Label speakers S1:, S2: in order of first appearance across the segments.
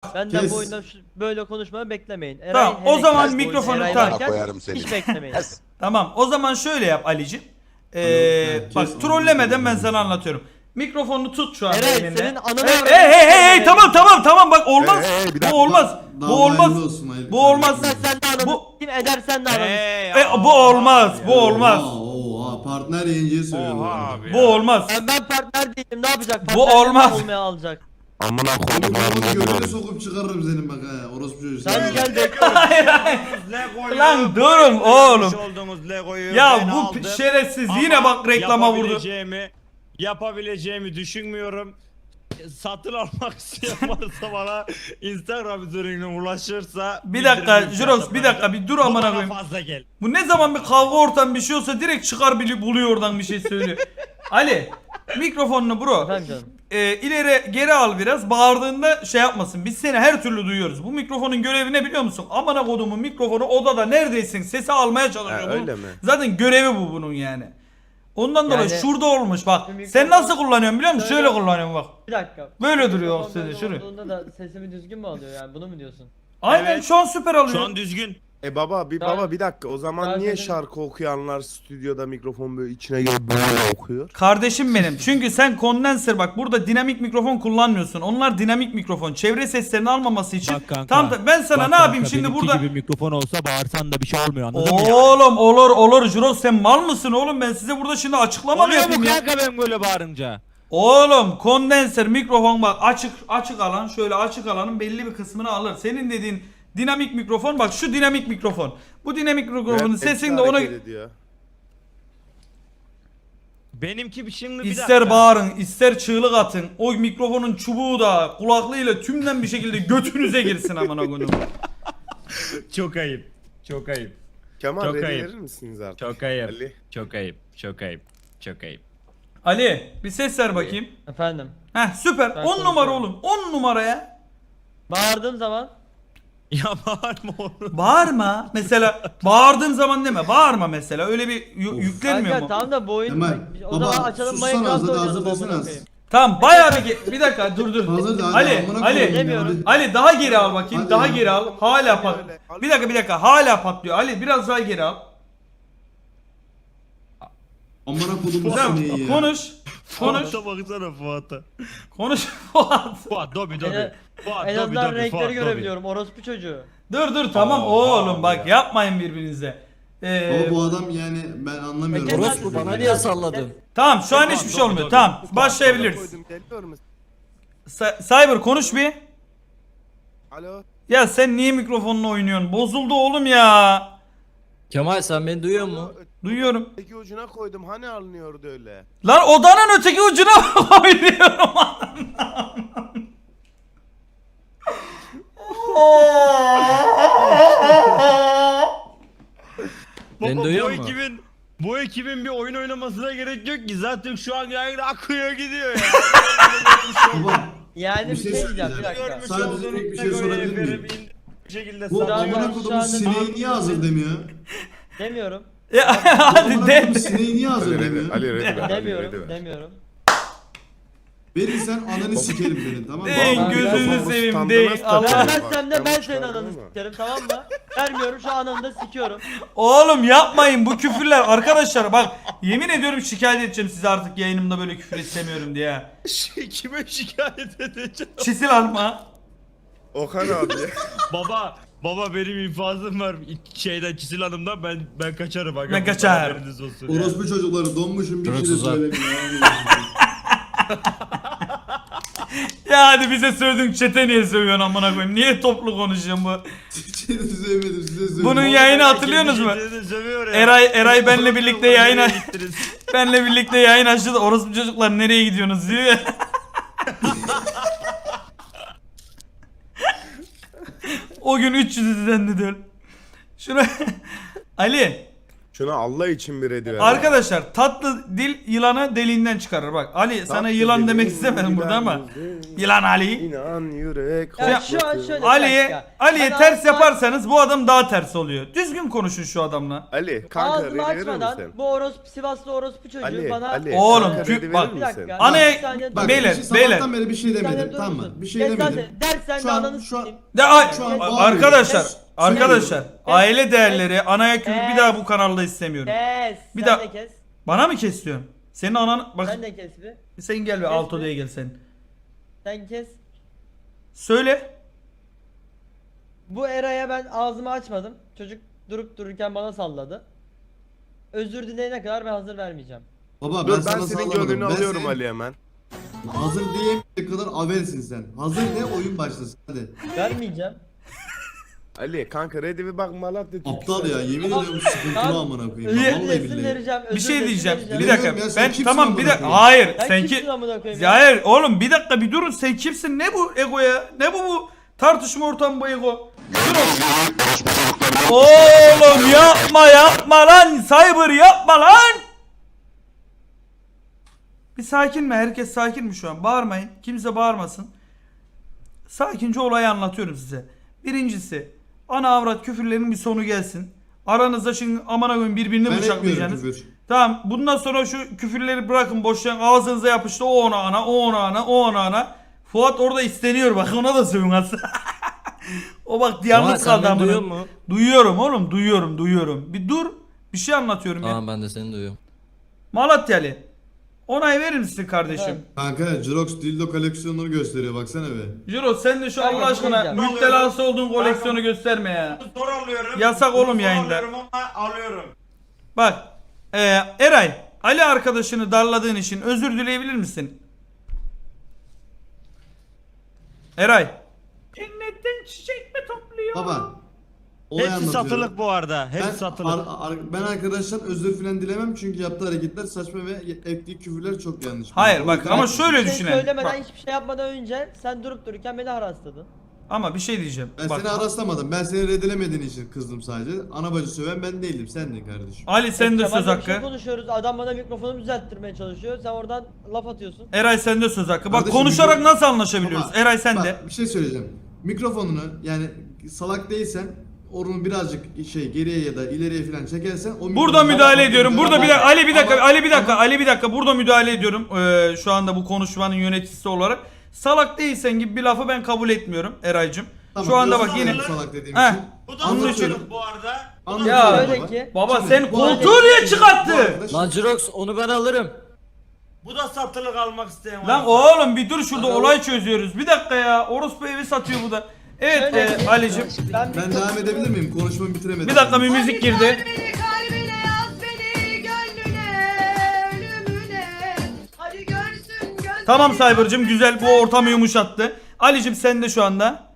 S1: Benden
S2: Kes.
S1: bu oyunda böyle konuşmayı beklemeyin. Eray,
S3: Tamam, o
S1: hele
S3: zaman
S1: ki
S3: mikrofonu
S1: Eray
S3: tak.
S1: varken
S4: Koyarım seni.
S1: hiç beklemeyin.
S3: Tamam, o zaman şöyle yap Ali'cim.
S2: Evet,
S3: Bak
S2: kes,
S3: trollemeden ben
S2: anladım.
S3: sana anlatıyorum. Mikrofonu tut şu an
S1: Eray,
S3: elinde.
S1: senin ananı
S3: Hey
S1: avradını
S3: hey hey hey
S1: sikeyim.
S3: tamam bak olmaz.
S4: Hey, bir dakika.
S3: Bu olmaz.
S2: Daha
S3: Bu olmaz.
S2: hayırlı olsun, hayırlı
S3: Bu olmaz.
S2: olsun.
S1: Sen de ananı
S3: Bu-
S1: kim edersen de ananı.
S3: Bu olmaz. Bu olmaz.
S2: Oha, partner yayıncıya söylüyor bu
S5: Oha
S2: arada.
S5: abi.
S3: Bu olmaz.
S1: Ben partner değilim, ne yapacak?
S3: Bu
S1: Partner
S3: olmaz.
S1: olmaya alacak.
S4: Amına koydum
S2: Bunu götüne
S4: abi.
S2: sokup çıkarırım senin bak ha. Orospu çocuğu.
S1: Sen gel bekle.
S3: Hayır hayır.
S5: Lego'yu
S3: Lan durun oğlum.
S5: yapmış olduğunuz Lego'yu
S3: Ya
S5: ben
S3: bu
S5: aldım.
S3: şerefsiz
S5: Ama
S3: yine bak reklama vurdu.
S5: Yapabileceğimi düşünmüyorum. Satın almak isteyen varsa bana Instagram üzerinden ulaşırsa
S3: Bir dakika
S5: bildirim
S3: Juros bir dakika bir dur
S5: Bu
S3: amına
S5: bana
S3: koyayım.
S5: fazla gel.
S3: Bu ne zaman bir kavga ortam bir şey olsa direkt çıkar buluyor oradan bir şey söylüyor. Ali mikrofonunu bro.
S1: Efendim canım.
S3: İleri geri al biraz. Bağırdığında şey yapmasın. Biz seni her türlü duyuyoruz. Bu mikrofonun görevi ne biliyor musun? Amına kodumun mikrofonu odada neredeysin? Sesi almaya çalışıyor.
S4: Ha,
S3: Bunun-
S4: öyle mi?
S3: Zaten görevi bu bunun yani. Ondan dolayı
S1: Yani-
S3: şurada olmuş bak.
S1: Şu mikrofon-
S3: Sen nasıl kullanıyorsun biliyor musun?
S1: Şöyle-
S3: Şöyle kullanıyorum bak.
S1: Bir dakika.
S3: Böyle duruyor o
S1: Mikrofon
S3: sesi
S1: böyle
S3: şuraya.
S1: olduğunda da sesimi düzgün mü alıyor yani, bunu mu diyorsun?
S3: Aynen
S5: Evet.
S3: şu an süper alıyor.
S5: Şu an düzgün.
S4: Baba
S1: Ben-
S4: bir dakika o zaman
S1: Ben
S4: niye
S1: dedim-
S4: şarkı okuyanlar stüdyoda mikrofon böyle içine girip böyle okuyor?
S3: Kardeşim benim. Çünkü sen kondenser bak burada dinamik mikrofon kullanmıyorsun. Onlar dinamik mikrofon. Çevre seslerini almaması için.
S6: Bak kanka,
S3: Tamam ben sana
S6: bak
S3: ne yapayım
S6: kanka,
S3: şimdi
S6: benimki
S3: burada?
S6: gibi mikrofon olsa bağırsan da bir şey olmuyor, anladın mı?
S3: Oğlum olur Juros sen mal mısın oğlum, ben size burada şimdi açıklama mı
S6: Oluyor mu
S3: yapayım ya?
S6: kanka ben böyle bağırınca?
S3: Oğlum kondenser mikrofon bak açık alan, şöyle açık alanın belli bir kısmını alır. Senin dediğin dinamik mikrofon bak, şu dinamik mikrofon. Bu dinamik mikrofonun sesini de ona
S5: Benimki şimdi bir
S3: ister
S5: dakika.
S3: bağırın ister çığlık atın. O mikrofonun çubuğu da kulaklığıyla tümden bir şekilde götünüze girsin amına koyayım.
S5: Çok ayıp. Çok ayıp.
S4: Kemal
S5: Çok
S4: ready
S5: ayıp.
S4: verir misiniz artık?
S5: Çok ayıp.
S4: Ali.
S5: Çok ayıp. Çok ayıp. Çok ayıp.
S3: Ali bir ses ver bakayım.
S1: Efendim.
S3: Heh süper.
S1: Ben
S3: 10 numara
S1: konuşuyorum.
S3: oğlum. 10 numara ya.
S1: Bağırdığım zaman
S5: Ya bağırma oğlum.
S3: Bağırma. Mesela bağırdığım zaman deme. Bağırma mesela. Öyle bir yüklenmiyor
S1: kanka
S3: mu?
S1: tamam da bu oyun
S2: Kemal,
S1: o
S2: baba,
S1: zaman açalım
S2: sussana
S1: Minecraft
S2: azı da
S1: oynayalım
S2: azı desene
S1: amına
S2: az.
S1: koyayım.
S3: Tamam bayağı bir dakika dur.
S2: Hazır da hadi
S3: Ali
S2: amına
S3: Ali
S2: koyayım ya,
S1: demiyorum.
S2: hadi.
S3: Ali daha geri al bakayım.
S2: Hadi
S3: Daha
S2: ya.
S3: geri al. Hala pat. Bir dakika. Hala patlıyor. Ali biraz daha geri al.
S2: Amına kodumu
S3: Tamam.
S2: sineği ya.
S3: Konuş.
S5: Fuat'a baksana Fuat'a.
S3: Konuş. Fuat.
S5: Fuat Dobi Dobi.
S1: En-
S5: Fuat
S1: En
S5: Dobi
S1: azından
S5: Dobi.
S1: renkleri
S5: Fuat Dobi.
S1: görebiliyorum. Orospu çocuğu.
S3: Dur tamam oğlum bak yapmayın birbirinize.
S2: Baba bu adam yani ben anlamıyorum.
S1: Kemal-
S7: Orospu bana niye salladın?
S3: Tamam şu an hiçbir şey olmuyor. Tamam başlayabiliriz. Cyber konuş bir.
S4: Alo.
S3: Ya sen niye mikrofonla oynuyorsun? Bozuldu oğlum ya.
S7: Kemal sen beni duyuyor musun?
S3: Duyuyorum.
S4: Öteki ucuna koydum hani alınıyordu öyle.
S3: Lan odanın öteki ucuna oynuyorum.
S7: Beni
S5: Baba,
S7: duyuyor
S5: bu
S7: mu?
S5: ekibin bir oyun oynamasına gerek yok ki. Zaten şu an yayın akıyor gidiyor ya.
S2: Baba
S1: Yani
S2: Bir
S1: bir
S2: şey
S1: şey diyeceğim bir
S2: söyleyeceğim.
S1: dakika.
S2: Sadece
S5: olduğunuz
S2: tek bir şey
S5: Lego'yu
S2: sorabilir miyim?
S5: efendim bir şekilde
S2: bu
S1: Daha
S5: satın-
S2: amına
S1: ben şu
S2: kodumun
S1: anda-
S2: sineği niye hazır demiyor?
S1: Demiyorum.
S3: Ya hadi
S2: Amına
S3: de.
S2: kodumun sineği niye hazır demiyor?
S1: Demiyorum.
S2: Verirsen ananı sikerim senin tamam mı?
S3: Deyin
S1: Ben-
S3: gözünü
S4: Ben-
S3: seveyim
S4: Ben-
S3: deyin.
S4: Ben-
S3: Allah.
S1: Vermezsem de ben
S4: Ben-
S1: senin ananı sikerim, tamam mı? Vermiyorum, şu ananı da sikiyorum.
S3: Oğlum yapmayın bu küfürler arkadaşlar bak yemin ediyorum şikayet edeceğim size artık yayınımda böyle küfür istemiyorum diye.
S5: Kime şikayet edeceğim?
S3: Çisil alma.
S4: Okan abi.
S5: Baba benim infazım var şeyden Çisil Hanım'dan ben kaçarım aga.
S3: Ben kaçar.
S5: Haberiniz olsun ya.
S2: Orospu çocukları donmuşum bir şey de
S7: Hırsızlar.
S2: söylemiyor.
S3: Ya hadi bize sövdün çete niye sövüyorsun amına koyayım? Niye toplu konuşuyorsun bu?
S2: Seni sevmedim size söylüyorum.
S3: Bunun yayını hatırlıyorsunuz mu?
S5: Kendini sövüyor ya.
S3: Eray benle birlikte yayına
S5: Nereye gittiniz?
S3: benle birlikte yayın açtı da orospu çocuklar nereye gidiyorsunuz diyor ya. O gün 300 izlendi diyor. Şuna Ali
S4: Şuna Allah için bir ready ver.
S3: Arkadaşlar tatlı dil yılanı deliğinden çıkarır. Bak Ali sana
S4: Tatlı
S3: yılan demek
S4: dediğin
S3: istemedim burada ama.
S4: yüzden
S3: Yılan Ali.
S4: İnan yürek.
S1: Ya şu an şöyle-
S3: Ali'ye
S1: Ben
S3: ters
S1: ağzımı-
S3: yaparsanız bu adam daha ters oluyor. Düzgün konuşun şu adamla.
S4: Ali kanka
S1: Ağzımı
S4: ready verir
S1: açmadan
S4: misin?
S1: bu orospu Sivaslı orospu çocuğu
S4: Ali,
S1: bana...
S4: Ali.
S3: Oğlum,
S4: kanka,
S3: Türk-
S4: ready
S3: bak,
S4: verir
S1: Bir
S4: misin?
S1: dakika.
S3: Anaya-
S1: Bir saniye
S2: Bak
S1: dur.
S3: Beyler,
S2: sabahtan
S3: beyler.
S2: beri bir şey
S1: Bir saniye
S2: demedim
S1: dur
S2: tamam
S1: musun?
S2: mı? Bir şey
S1: Kes
S2: demedim.
S1: lan, dersen de
S2: Şu an-
S1: ananı
S2: şu an-
S1: sikeyim.
S2: Şu an bağırıyorum.
S3: Arkadaşlar,
S1: Kes.
S3: arkadaşlar aile değerleri anaya küfür bir
S1: Kes.
S3: daha bu kanalda istemiyorum.
S1: Kes.
S3: Bir
S1: Sen
S3: daha-
S1: de kes.
S3: Bana mı kes diyorsun? Senin anan bak
S1: Sen de kes bir.
S3: sen gel be
S1: Kes
S3: alt
S1: bir.
S3: odaya gel sen.
S1: Sen kes.
S3: Söyle.
S1: Bu Eray'a ben ağzımı açmadım. Çocuk durup dururken bana salladı. Özür dileyene kadar ben hazır vermeyeceğim.
S2: Baba
S4: Dur
S2: ben
S4: ben
S2: sana
S4: senin
S2: sallamadım.
S4: gönlünü
S2: Ben
S4: alıyorum
S2: senin
S4: Ali hemen.
S2: hazır diyemeyecek kadar avelsin sen. Hazır de oyun başlasın hadi.
S1: Vermeyeceğim.
S4: Ali kanka ready bir bak Malatya
S2: Aptal ya yemin ediyorum sıkıntılı
S1: Tamam.
S2: amına koyayım.
S1: Özür
S2: Vallahi
S1: dilesin
S2: billahi.
S1: vereceğim.
S3: Bir şey diyeceğim. Bir
S2: Bilmiyorum
S3: dakika.
S2: ya, sen
S3: Ben
S2: kimsin
S3: tamam bir
S2: amına
S3: dakika.
S2: koyayım?
S3: Hayır,
S1: Sen
S3: sen
S1: kimsin
S3: ki
S1: amına koyayım
S3: ya hayır oğlum bir dakika bir durun sen kimsin? Ne bu ego ya? Ne bu tartışma ortamı bu ego? Oğlum yapma lan Cyber yapma lan. Bir sakin mi? Herkes sakin mi şu an? Bağırmayın. Kimse bağırmasın. Sakince olayı anlatıyorum size. Birincisi ana avrat küfürlerin bir sonu gelsin. Aranızda şimdi amına koyayım birbirini
S2: Ben etmiyorum
S3: bıçaklayacaksınız.
S2: küfür.
S3: Tamam bundan sonra şu küfürleri bırakın boşver ağzınıza yapıştı o ona ana o ona ana o ona ana. Fuat orada isteniyor bak ona da sövün aslında. O bak
S7: Kemal
S3: yalnız
S7: sen
S3: kaldı
S7: beni
S3: amına.
S7: duyuyor musun?
S3: Duyuyorum oğlum duyuyorum. Bir dur bir şey anlatıyorum ya.
S7: Tamam ben de seni duyuyorum.
S3: Malatyalı. Onay verir misin kardeşim?
S1: Evet.
S2: Kanka Jirox dildo koleksiyonunu gösteriyor baksana be.
S3: Jiro sen de şu
S1: Kanka,
S3: Allah aşkına
S1: diyeceğim.
S3: müptelası olduğun koleksiyonu gösterme ya.
S5: Zor alıyorum.
S3: Yasak oğlum
S5: Zor
S3: yayında.
S5: alıyorum ama alıyorum.
S3: Bak Eray Ali arkadaşını darladığın için özür dileyebilir misin? Eray. Cennetten çiçek mi topluyor?
S2: Baba. Olay
S5: Hepsi
S2: anlatıyorum.
S5: satılık bu arada. Hepsi
S2: Ben,
S5: satılık.
S2: ben arkadaştan özür filan dilemem çünkü yaptığı hareketler saçma ve ettiği küfürler çok yanlış.
S3: Hayır
S2: O
S3: bak
S2: yüzden-
S3: ama şöyle
S1: Hiçbir şey
S3: düşünelim.
S1: söylemeden
S3: Bak,
S1: hiçbir şey yapmadan önce sen durup dururken beni harasladın.
S3: ama bir şey diyeceğim.
S2: Ben
S3: Bak,
S2: seni araslamadım. Ben seni reddelemediğin için kızdım sadece. Ana bacı söven ben değildim. Sendin kardeşim.
S3: Ali sen de
S1: Kemal'le
S3: söz
S1: bir şey
S3: hakkı.
S1: konuşuyoruz. Adam bana mikrofonumu düzelttirmeye çalışıyor. Sen oradan laf atıyorsun.
S3: Eray sen de söz hakkı. Bak
S2: Kardeşim,
S3: konuşarak
S2: mikro-
S3: nasıl anlaşabiliyoruz?
S2: Baba,
S3: Eray sen
S2: bak,
S3: de.
S2: bir şey söyleyeceğim. Mikrofonunu yani salak değilsen onu birazcık geriye ya da ileriye falan çekersen o
S3: Burada
S2: mikrofonu-
S3: müdahale ediyorum. Burada bir dakika Ali bir dakika
S2: Ama-
S3: Ali bir dakika
S2: ama-
S3: Ali bir dakika burada müdahale ediyorum. Şu anda bu konuşmanın yöneticisi olarak. Salak değilsen gibi bir lafı ben kabul etmiyorum Eraycığım.
S2: Tamam,
S3: Şu anda
S2: özür
S3: bak yine
S2: dilerim salak dediğim
S3: Heh.
S2: için.
S5: Bu da
S2: Anlatıyorum.
S5: satılık bu arada.
S2: Anlatıyorum
S3: Ya,
S1: Şöyle
S2: baba.
S1: ki-
S3: baba
S2: Şimdi
S3: sen
S2: bu
S3: koltuğu
S2: arkadaş-
S3: niye
S2: bu
S3: çıkarttı?
S2: arkadaş-
S7: Lan Jirox onu ben alırım.
S5: Bu da satılık almak isteyen var.
S3: Lan oğlum bir dur şurada olay çözüyoruz. Bir dakika ya. Orospu evi satıyor bu da. Evet
S1: Şöyle-
S3: Ali'cim.
S2: Ben devam edebilir miyim? Konuşmamı bitiremedim.
S3: Bir dakika bir müzik girdi.
S8: Kalbine yaz beni gönlüne ölümüne. Hadi görsün göz.
S3: Tamam Cyber'cım güzel bu ortamı yumuşattı. Ali'cim sen de şu anda.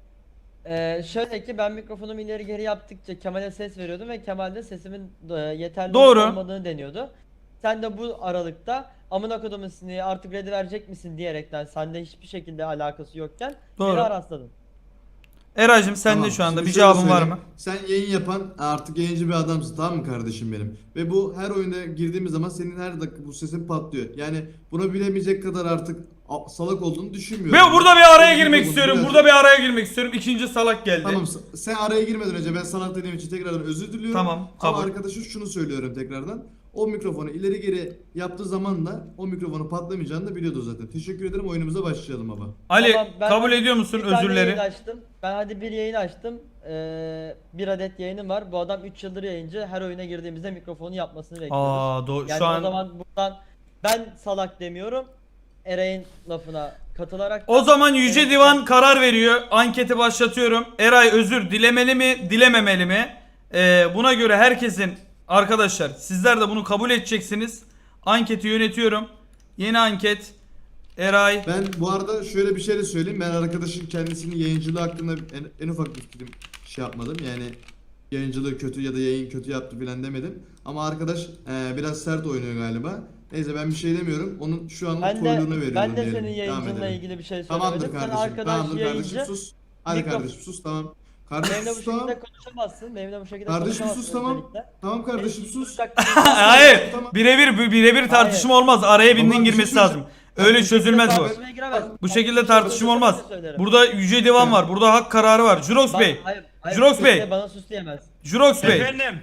S1: Şöyle ki ben mikrofonumu ileri geri yaptıkça Kemal'e ses veriyordum ve Kemal de sesimin yeterli
S3: Doğru.
S1: olmadığını deniyordu. Sen de bu aralıkta amına kodumun sineği artık ready verecek misin diyerekten sende hiçbir şekilde alakası yokken
S3: Doğru.
S1: beni arasladın.
S3: Eray'cım sen
S2: Tamam,
S3: de şu anda
S2: şimdi
S3: bir
S2: şöyle
S3: cevabın var
S2: söyleyeyim.
S3: mı?
S2: Sen yayın yapan artık yayıncı bir adamsın tamam mı kardeşim benim? Ve bu her oyunda girdiğimiz zaman senin her dakika bu sesin patlıyor. Yani bunu bilemeyecek kadar artık salak olduğunu düşünmüyorum.
S3: Ben burada bir araya
S2: Senin
S3: girmek
S2: bu
S3: istiyorum.
S2: biraz-
S3: Burada bir araya girmek istiyorum. İkinci salak geldi.
S2: Tamam sen araya girmeden önce ben salak dediğim için tekrardan özür diliyorum.
S3: Tamam,
S2: Ama
S3: kabul.
S2: arkadaşa şunu söylüyorum tekrardan. O mikrofonu ileri geri yaptığı zaman da o mikrofonu patlamayacağını da biliyordu zaten. Teşekkür ederim oyunumuza başlayalım baba.
S3: Ali
S1: Tamam, ben
S3: kabul ediyor musun
S1: Bir tane
S3: özürleri?
S1: yayın açtım. Ben hadi bir yayın açtım. Bir adet yayınım var. Bu adam 3 yıldır yayıncı. Her oyuna girdiğimizde mikrofonu yapmasını bekliyoruz.
S3: Yani
S1: Yani
S3: şu
S1: o
S3: an
S1: zaman buradan ben salak demiyorum. Eray'ın lafına katılarak
S3: o zaman Yüce
S1: Evet,
S3: Divan karar veriyor. Anketi başlatıyorum. Eray özür dilemeli mi, dilememeli mi? Buna göre herkesin arkadaşlar sizler de bunu kabul edeceksiniz. Anketi yönetiyorum. Yeni anket. Eray.
S2: Ben bu arada şöyle bir şey de söyleyeyim. Ben arkadaşın kendisinin yayıncılığı hakkında en ufak bir fikrim şey yapmadım. Yani yayıncılığı kötü ya da yayın kötü yaptı filan demedim. Ama arkadaş biraz sert oynuyor galiba. Neyse ben bir şey demiyorum. Onun şu an
S1: ben de,
S2: trollüğünü veriyorum
S1: ben de
S2: diyelim.
S1: senin
S2: Devam
S1: yayıncınla
S2: edelim.
S1: ilgili bir şey
S2: Tamamdır
S1: söylemedim. Sen
S2: kardeşim.
S1: arkadaş
S2: Tamamdır kardeşim
S1: yayıncı.
S2: sus. Hadi
S1: Mikrof-
S2: kardeşim sus tamam. Kardeşim
S1: Benimle bu
S2: sus tamam.
S1: şekilde konuşamazsın. Benimle bu şekilde
S2: Kardeşim
S1: konuşamazsın
S2: sus tamam.
S1: özellikle.
S2: Tamam kardeşim
S1: Benim
S2: sus.
S3: Hayır.
S2: Tamam.
S3: Birebir tartışma olmaz. Araya birinin
S2: Tamam, bir şey
S3: girmesi lazım.
S2: söyleyeceğim.
S3: Öyle çözülmez bu.
S1: Tartışmaya giremez.
S3: Bu şekilde tartışma olmaz. Burada yüce divan var. Burada hak kararı var. Jurox Bey. Jurox
S1: sus
S3: Bey.
S1: de, bana sus diyemez.
S3: Jurox Bey.
S5: Efendim.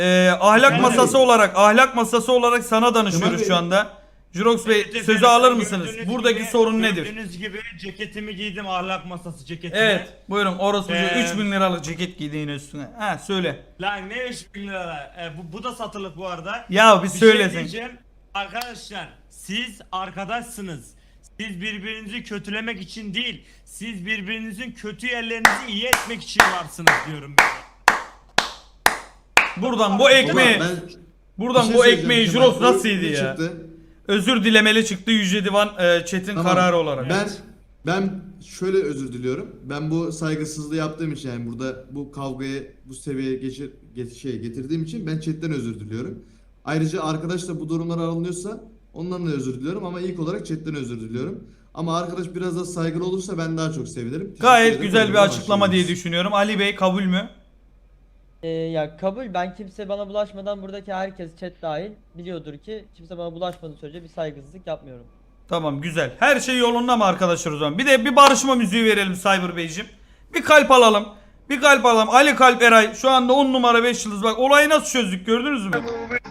S3: Ahlak masası olarak sana danışıyoruz
S2: Kemal
S3: şu anda. Jurox Bey
S5: Evet
S3: sözü
S5: efendim,
S3: alır mısınız?
S5: gördüğünüz
S3: Buradaki
S5: gibi-
S3: sorun nedir?
S5: Gördüğünüz gibi ceketimi giydim, ahlak masası ceketimi.
S3: Evet. Buyurun orospucu 3000 liralık ceket giydiğin üstüne. Ha söyle.
S5: Lan ne 3000 lira? Bu da satılık bu arada.
S3: Ya bir
S5: Bir
S3: söyle
S5: şey
S3: sen.
S5: diyeceğim. Arkadaşlar siz arkadaşsınız. Siz birbirinizi kötülemek için değil, siz birbirinizin kötü yerlerinizi iyi etmek için varsınız diyorum ben.
S3: Buradan bu
S2: Ulan
S3: ekmeği
S2: ben
S3: buradan
S2: bir şey
S3: bu
S2: söyleyeceğim
S3: ekmeği
S2: Kemal.
S3: Jurox
S2: Bu
S3: nasıl
S2: ne
S3: yedi ya?
S2: çıktı?
S3: Özür dilemeli çıktı Yüce Divan Çetin
S2: Tamam.
S3: kararı olarak.
S2: Ben şöyle özür diliyorum. Ben bu saygısızlığı yaptığım için yani burada bu kavgayı bu seviyeye getirdiğim için ben chatten özür diliyorum. Ayrıca arkadaş da bu durumlara alınıyorsa ondan da özür diliyorum ama ilk olarak chatten özür diliyorum. Ama arkadaş biraz da saygılı olursa ben daha çok sevinirim. Teşekkür
S3: Gayet
S2: ederim.
S3: güzel bir
S2: Buyurun,
S3: açıklama diye
S2: başlayabiliriz.
S3: düşünüyorum. Ali Bey kabul mü?
S1: Ya kabul, ben kimse bana bulaşmadan buradaki herkes chat dahil biliyordur ki kimse bana bulaşmadığı sürece bir saygısızlık yapmıyorum.
S3: Tamam güzel. Her şey yolunda mı arkadaşlar o zaman? Bir de bir barışma müziği verelim Cyber Beyciğim. Bir kalp alalım. Bir kalp alalım. Ali Kalp Eray şu anda 10 numara 5 yıldız. Bak olayı nasıl çözdük gördünüz mü?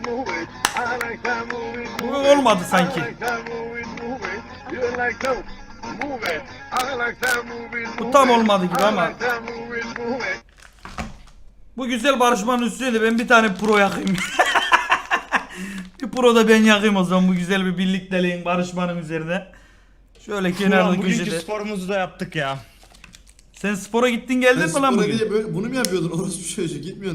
S3: Bu olmadı sanki. Bu tam olmadı gibi ama. Bu güzel barışmanın üstüne de ben bir tane pro yakayım. Bir pro da ben yakayım o zaman bu güzel bir birlikteliğin barışmanın üzerine. Şöyle kenarda
S5: Ulan bugünkü
S3: köşede.
S5: sporumuzu da yaptık ya.
S3: Sen spora gittin geldin
S2: Sen
S3: mi lan
S2: spora
S3: bugün?
S2: diye bunu mu yapıyordun? Orası bir şey gitmiyorsun.